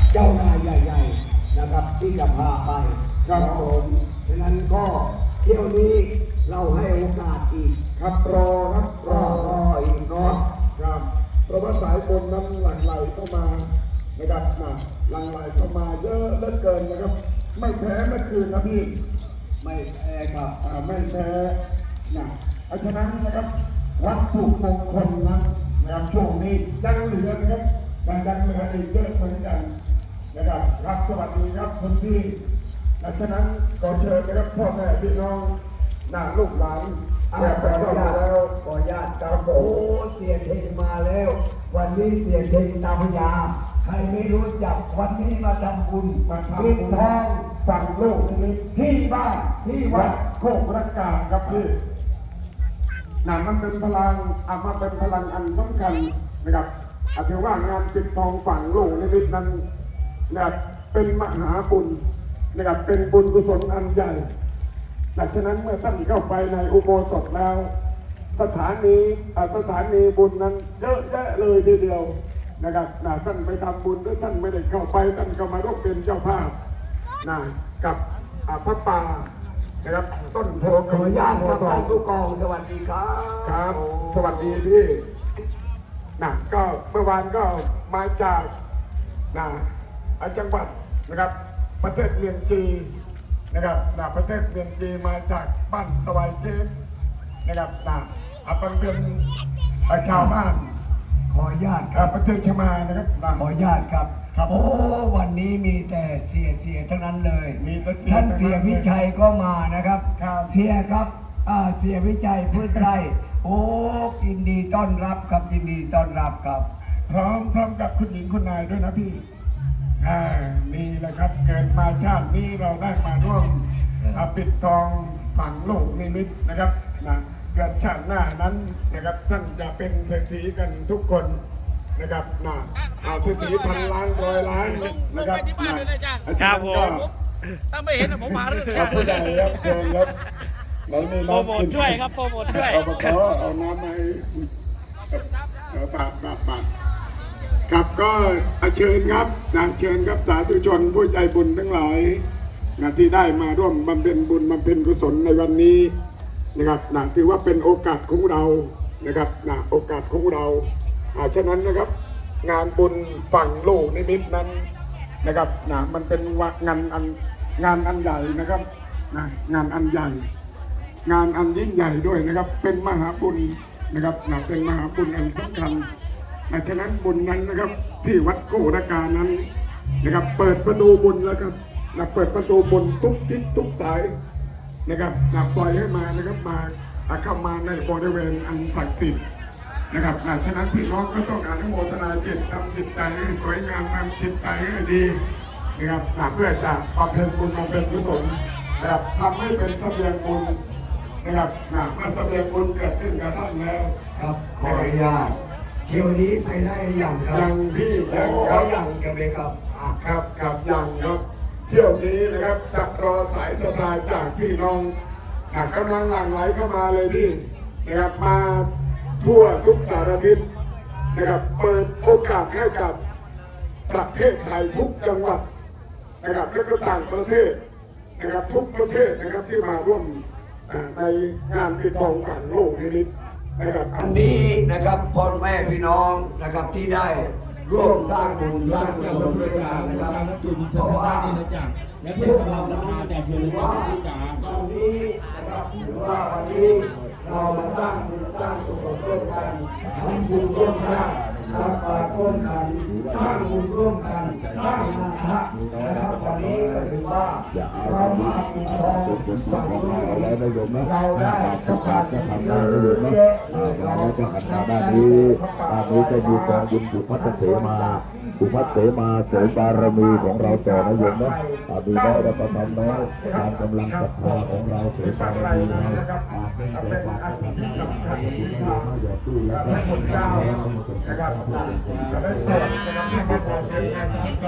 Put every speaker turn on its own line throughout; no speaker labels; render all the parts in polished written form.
เจ้านายใหญ่ๆนะครับที่จะพาไปครับผมฉะนั้นก็เที่ยวนี้เราให้โอกาสอีกครับรออีกเนาะครับเพราะว่าสายบุญนั้นหลั่งไหลเข้ามานะครับหลั่งไหลเข้ามาเยอะเหลือเกินนะครับไม่แพ้เมื่อคืนนะพี่ไม่แพ้ครับไม่แพ้เพราะฉะนั้นนะครับวัตถุมงคลนะครับช่วงนี้ยังเหลือนะครับยังเหลืออีกเยอะเหมือนกันนะครับรับสวัสดีครับคุณพี่ดังนั้นขอเชิญนะครับพ่อแม่พี่น้องลูกหลานขออนุญาตแล้วขออนุญาตครับโอ้เสียเทงมาแล้ววันนี้เสียเทงตาพยาใครไม่รู้จักวันนี้มาทำบุญปิดทองฝั่งโลกนี้ที่บ้านที่วัดโคกระกาครับพี่มันเป็นพลังมาเป็นพลังอันสำคัญนะครับถือว่างานปิดทองฝั่งโลกในวิถีนั้นนะครับเป็นมหาบุญนะครับเป็นบุญกุศลอันใหญ่ดังนั้นเมื่อท่านเข้าไปในอุโบสถแล้วสถานีบุญนั้นเยอะแยะเลยทีเดียวนะครับท่านไปทำบุญหรือท่านไม่ได้เข้าไปท่านก็มาร่วมเป็นเจ้าภาพกับพระป่านะครับต้นโพขออนุญาตครับท่านผู้กองสวัสดีครับครับสวัสดีพี่ก็เมื่อวานก็มาจากจังหวัดนะครับประเทศเมียนจีนะครับประเทศเมียนจีมาจากบ้านสวายเจนนะครับเป็นชาวบ้านขออนุญาตครับประเทศชมานะครับขออนุญาตครับโอ้วันนี้มีแต่เสียทั้งนั้นเลยท่านเสียวิชัยก็มานะครับเสียครับเสียวิชัยพืชไร่โอ้ยินดีต้อนรับครับยินดีต้อนรับครับพร้อมกับคุณหญิงคุณนายด้วยนะพี่นี่แหละครับเกิดมาชาตินี้เราได้มาร่วมปิดทองฝั่งโลกนิมิตนะครับเกิดชาติหน้านั้นนะครับท่านจะเป็นเศรษฐีกันทุกคนนะครับเศรษฐีพันล้านร้อยล้านนะครับ
ครับผมถ้าไม่เห็นผมมาเรื่อง
ครับผู้ใดครับเชิญครับไหนมีน้ำกิน
ช่วยครับโปรโมทช่วย
เอาน้ำมาให้ปาดครับก็เชิญครับเชิญครับสาธุชนผู้ใจบุญทั้งหลายที่ได้มาร่วมบำเพ็ญบุญบำเพ็ญกุศลในวันนี้นะครับถือว่าเป็นโอกาสของเรานะครับโอกาสของเราฉะนั้นนะครับงานบุญฝั่งโลกนิมิตนั้นนะครับมันเป็นงานอันใหญ่นะครับงานอันใหญ่งานอันยิ่งใหญ่ด้วยนะครับเป็นมหาบุญนะครับเป็นมหาบุญอันสำคัญฉะนั้นบุญนั้นนะครับที่วัดโคกระกานั้นนะครับเปิดประตูบุญแล้วครับเปิดประตูบุญทุกทิศทุกสายนะครับปล่อยให้มานะครับมาเข้ามาในบริเวณอันศักดิ์สิทธิ์นะครับฉะนั้นพี่น้องก็ต้องอนุโมทนาจิตทำจิตใจให้สวยงามทำจิตใจให้ดีนะครับเพื่อจะบำเพ็ญบุญบำเพ็ญกุศลนะครับทำให้เป็นเสบียงบุญนะครับเมื่อเสบียงบุญเกิดขึ้นกับท่านแล้ว
ครับขออนุญาตเที่ยวนี้ไปได้หรือยังครับ
ยังพี่ยัง
ครับยังจะไปครับ
ครับยังครับเที่ยวนี้นะครับจะรอสายสตาร์จากพี่น้องกำลังหลั่งไหลเข้ามาเลยพี่นะครับมาทั่วทุกสารทิศนะครับเปิดโอกาสให้กับประเทศไทยทุกจังหวัดนะครับและก็ต่างประเทศนะครับทุกประเทศนะครับที่มาร่วมในงานปิดทองฝั่งโลกนิมิตนะครับ
อันนี้นะครับพ่อแม่พี่น้องนะครับที่ได้ร่วมสร้างบุญสร้างกุศลด้วยกันนะครับเพราะว่าพวกเราถือว่าวันนี้นะครับถือว่าวันนี้เรามาสร้างบุญสร้างกุศลร่วมกันทำบุญร่วมกันรับบาตรร่วมกันสร้างบุญร่วมกันสร้างงานพระนะครับวันนี้ก็ถือว่าเรามาปิดทองฝั่งโลกเราได้สัมผัสที่เยอะ
เราจะหันหน้าด้านนี้จะมีกองบุญบุพัฒเสมาเสริมบารมีของเราต่อนะโยมนะดูได้เราประทานน้อยการกำลังศรัทธาของเราเสริมบารมีเรา
เป็นอันที่สำคัญที่ว่าพระคุณเจ้านะครับได้โปรดนะครับให้มาบอกเรื่อง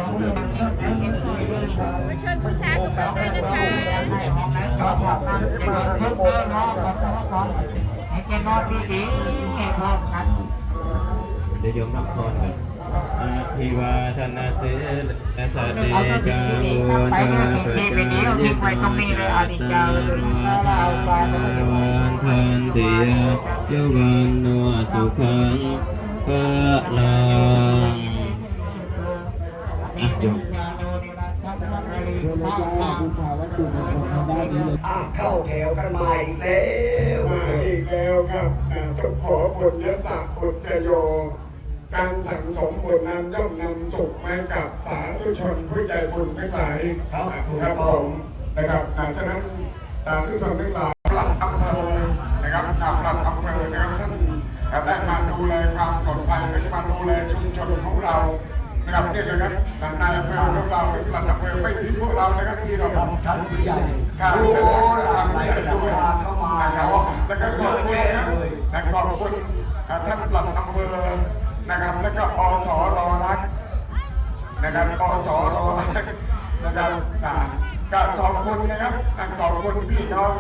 มาเชิญผู้ชายกับเพื่อนด้วยนะคะ
ให้แกนอนดีๆแกนอนกันเดี๋ยวนับก่อนกัน
อาภิวาทนาเสและสติจาโวจาปจายิตาจาตาวันทันติยวันโนสุขังพลังโยม
เข้าแถวกันมาอีกแล้ว
มาอีกแล้วครับสุขขอบุญยศักดิ์บุญจโย การสั่งสมบุญนั้นย่อมนำสุขมากับสาธุชนผู้ใจบุญทั้งหลายครับผมนะครับฉะนั้นสาธุชนทั้งหลายหลักอำเภอนะครับหลักอำเภอนะครับท่านได้มาดูแลความปลอดภัยและมาดูแลชุมชนของเรานะครับนี่เลยครับนายอำเภอของเราหลักอำเภอไม่ทิ้งพวกเรานะครับที่เรา
ท่านผู้ใหญ่
ข้าว
โอ้
ทำ
ไหล
ให้
สั
ด้
ม
วย
ภาษณ์เข้ามา
นะครับ
เนาะ
แล้วก็ขอบคุณนะครับและขอบคุณท่านปลัดอำเภอนะครับแล้วก็อสรรักนะครับอสรรักนะครับก็ขอบคุณนะครับขอบคุณพี่น้อง